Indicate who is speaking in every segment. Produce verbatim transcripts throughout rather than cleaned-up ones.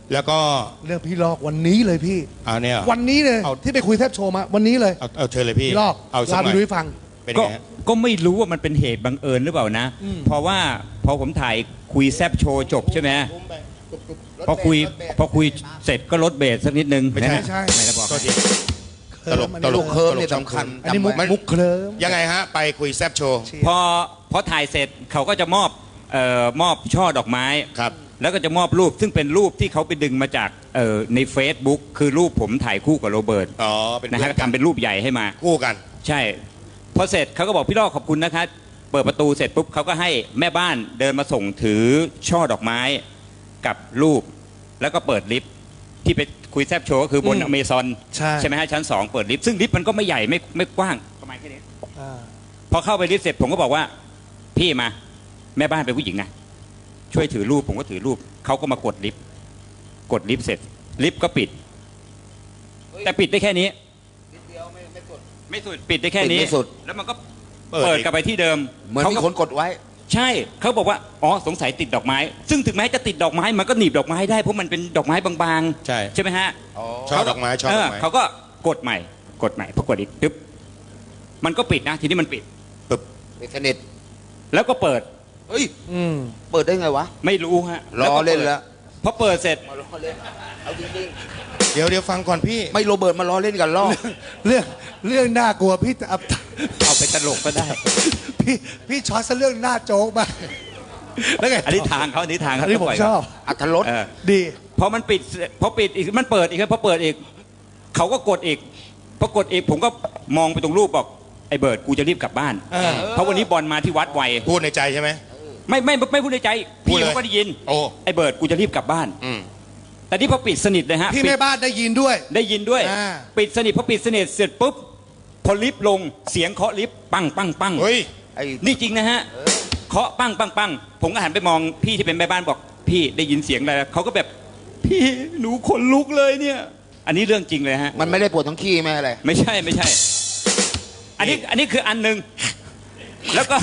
Speaker 1: แล้วก็
Speaker 2: เรื่องพี่ลอกวันนี้เลยพี่
Speaker 1: อ่าเนี่ย
Speaker 2: วันนี้เลยที่ไปคุยแทบโชว์มาวันนี้เลย
Speaker 1: เอาเอาเชิญเลยพี่
Speaker 2: พี่ลอก
Speaker 1: เอาสัก
Speaker 2: ลา
Speaker 1: ห
Speaker 2: ไป
Speaker 1: น่อย
Speaker 2: ดูให้ฟัง
Speaker 1: เป็น
Speaker 3: ก็
Speaker 1: ไงฮะ
Speaker 3: ก็ไม่รู้ว่ามันเป็นเหตุบังเอิญหรือเปล่านะ เพราะว่าพอผมถ่ายคุยแซบโชว์จบใช่ไหมพอคุยพอคุยเสร็จก็ลดเบสสักนิดนึง
Speaker 1: ไม่ใช่
Speaker 3: นะฮะไม่ได้บอก
Speaker 1: โทษทีตลก
Speaker 2: อัน
Speaker 1: ต
Speaker 2: นี้
Speaker 1: ล
Speaker 4: ลู
Speaker 1: ก
Speaker 4: กเคิร์ม
Speaker 1: ตล
Speaker 4: เนี่ย
Speaker 1: ก
Speaker 4: สำคัญ
Speaker 2: อันนี้มุก
Speaker 4: จำไว้
Speaker 2: มุกเคลิ้ม
Speaker 1: ยังไงฮะไปคุยแซบโชว์
Speaker 3: พอพอถ่ายเสร็จเขาก็จะมอบเอ่อมอบช่อดอกไม้
Speaker 1: ครับ
Speaker 3: แล้วก็จะมอบรูปซึ่งเป็นรูปที่เขาไปดึงมาจากเอ่อใน Facebook คือรูปผมถ่ายคู่กับโรเบิร์ต
Speaker 1: อ๋อเป็น
Speaker 3: นะ
Speaker 1: เพื่
Speaker 3: ฮะ
Speaker 1: อนกัน
Speaker 3: ทำเป็นรูปใหญ่ให้มา
Speaker 1: คู่กัน
Speaker 3: ใช่พอเสร็จเขาก็บอกพี่ลอกขอบคุณนะคะเปิดประตูเสร็จปุ๊บเขาก็ให้แม่บ้านเดินมาส่งถือช่อดอกไม้กับรูป แล้วก็เปิดลิฟต์ที่ไปคุยแซบโชว์ก็คือบนอเมซอน
Speaker 2: ใช่
Speaker 3: ใช่ไหมฮะชั้นสองเปิดลิฟต์ซึ่งลิฟต์มันก็ไม่ใหญ่ไม่ไม่กว้างประมาณแค่นี้
Speaker 2: อ่า
Speaker 3: พอเข้าไปลิฟต์เสร็จผมก็บอกว่าพี่มาแม่บ้านเป็นผู้หญิงนะช่วยถือรูปผมก็ถือรูปเขาก็มากดลิฟต์กดลิฟต์เสร็จลิฟต์ก็ปิด แต่ปิดได้แค่นี้ไม่สุดปิดได้แค่นี้
Speaker 4: ปิดไม่สุด
Speaker 3: แล้วมันก็
Speaker 1: เปิด
Speaker 3: เปิด
Speaker 1: อีก
Speaker 3: กลับไปที่เดิม
Speaker 4: เหมือน
Speaker 3: เขา
Speaker 4: มี
Speaker 3: ก็
Speaker 4: คนกดไว้
Speaker 3: ใช่เขาบอกว่าอ๋อสงสัยติดดอกไม้ ซึ่งถึงแม้จะติดดอกไม้มันก็หนีบดอกไม้ได้เพราะมันเป็นดอกไม้บางๆ
Speaker 1: ใช่
Speaker 3: ใช่ไหมฮะ
Speaker 1: ชอบดอกไม้ชอบ
Speaker 3: เอ
Speaker 1: ดอ
Speaker 3: อก
Speaker 1: ไม้
Speaker 3: เขาก็กดใหม่กดใหม่พอกดอีกปึ๊บมันก็ปิดนะทีนี้มันปิด
Speaker 1: ปึ๊บ
Speaker 4: ปิดสนิท
Speaker 3: แล้วก็เปิด
Speaker 4: เฮ้ย
Speaker 2: อืม
Speaker 4: เปิดได้ไงวะ
Speaker 3: ไม่รู้ฮะ
Speaker 4: รอเล่น
Speaker 3: ปิด
Speaker 4: แล้ว
Speaker 3: พอเปิดเสร็จ
Speaker 4: มาล้อเล่นเอาจริง
Speaker 1: เดี๋ยวเดี๋ยวฟังก่อนพี่
Speaker 4: ๆไม่โรเบิร์ตมาล้อเล่นกันล้อ
Speaker 2: เรื่องเรื่องน่ากลัวพี่จะเอา
Speaker 3: เอาไปตลกก็ได้
Speaker 2: พี่พี่ช็อตซะเรื่องหน้าโจ๊กมากแล้วไง
Speaker 3: อันนี้ทางเขาอันนี้ทาง
Speaker 2: อั
Speaker 3: เขา
Speaker 2: นนี้ผม
Speaker 3: ปล่ย
Speaker 2: ชอบ
Speaker 4: อัธรส
Speaker 3: เออ
Speaker 2: ดี
Speaker 3: พอมันปิดเสร็จพอปิดอีกมันเปิดอีกครับพอเปิดอีกเขาก็กดอีกพอกดอีกผมก็มองไปตรงรูปบอกไอ้เบิร์ดกูจะรีบกลับบ้าน
Speaker 2: เออ
Speaker 3: เพราะวันนี้บอลมาที่วัดไว
Speaker 1: พูดในใจใช่ไหม
Speaker 3: ไม่ไม่ไม่พูดในใจ
Speaker 1: พูด
Speaker 3: พี่
Speaker 1: เลย
Speaker 3: เขาก็ได้ยิน
Speaker 1: โอ้
Speaker 3: ไอ้เบิร์ดกูจะรีบกลับบ้าน
Speaker 1: อืม
Speaker 3: แต่นี่พอปิดสนิทเลยฮะ
Speaker 2: พี่
Speaker 3: ปิด
Speaker 2: แม่บ้านได้ยินด้วย
Speaker 3: ได้ยินด้วย
Speaker 2: อ่า
Speaker 3: ปิดสนิทพอปิดสนิทเสร็จปุ๊บพอลิฟต์ลงเสียงเคาะลิฟต์ปังปังปัง
Speaker 1: เฮ้ย
Speaker 4: ไอ้
Speaker 3: นี่จริงนะฮะเคาะปังปังปังผมก็หันไปมองพี่ที่เป็นแม่บ้านบอกพี่ได้ยินเสียงอะไรเขาก็แบบพี่หนูขนลุกเลยเนี่ย อันนี้เรื่องจริงเลยฮะ
Speaker 4: มันไม่ได้ปวดทั้งขี้ไม่อะไร
Speaker 3: ไม่ใช่ไม่ใช่ อันนี้อันนี้คืออันหนึ่งแล้วก็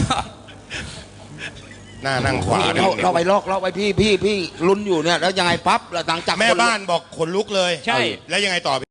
Speaker 1: หน้านั่งขวา
Speaker 4: นี่เราเราไปลอกเราไปพี่พี่พี่ลุ้นอยู่เนี่ยแล้วยังไงปั๊บเราหลังจาก
Speaker 1: แม่
Speaker 4: คน
Speaker 1: บ้านบอกขนลุกเลย
Speaker 3: ใช่
Speaker 1: แล้วยังไงต่อ